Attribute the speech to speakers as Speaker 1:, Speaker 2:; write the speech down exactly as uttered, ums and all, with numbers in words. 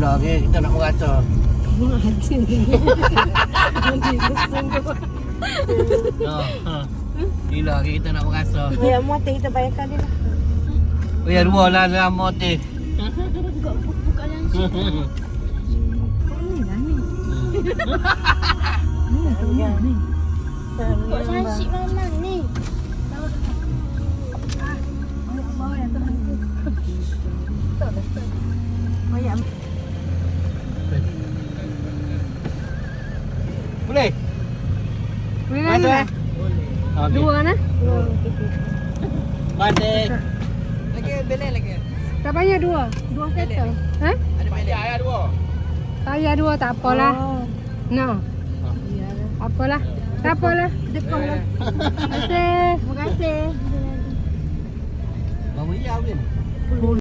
Speaker 1: Gila ke kita nak merata.
Speaker 2: Haji ni. Haji sungguh.
Speaker 1: Ha. Gila ke kita nak merasa.
Speaker 2: Ya, motor kita bayarkan dia lah.
Speaker 1: Oh ya dua lah dalam motor.
Speaker 2: Buka langsung. Ni lah ni. Ni tu ni. Kok sansik memang ni. Bawa yang teman tu. Stop dah stop. Bayar.
Speaker 1: Boleh?
Speaker 2: Boleh
Speaker 1: Mana?
Speaker 2: lah.
Speaker 1: Okey.
Speaker 2: Dua kan?
Speaker 1: Balik.
Speaker 3: Lagi belai lagi.
Speaker 2: Tak payah dua. Dua kereta. Ha?
Speaker 3: Ada belai ayah dua.
Speaker 2: Payah dua tak apalah. No. Apalah. Tak apalah. Dekat lah. Terima kasih. Terima kasih.
Speaker 1: Bawa ya, Win.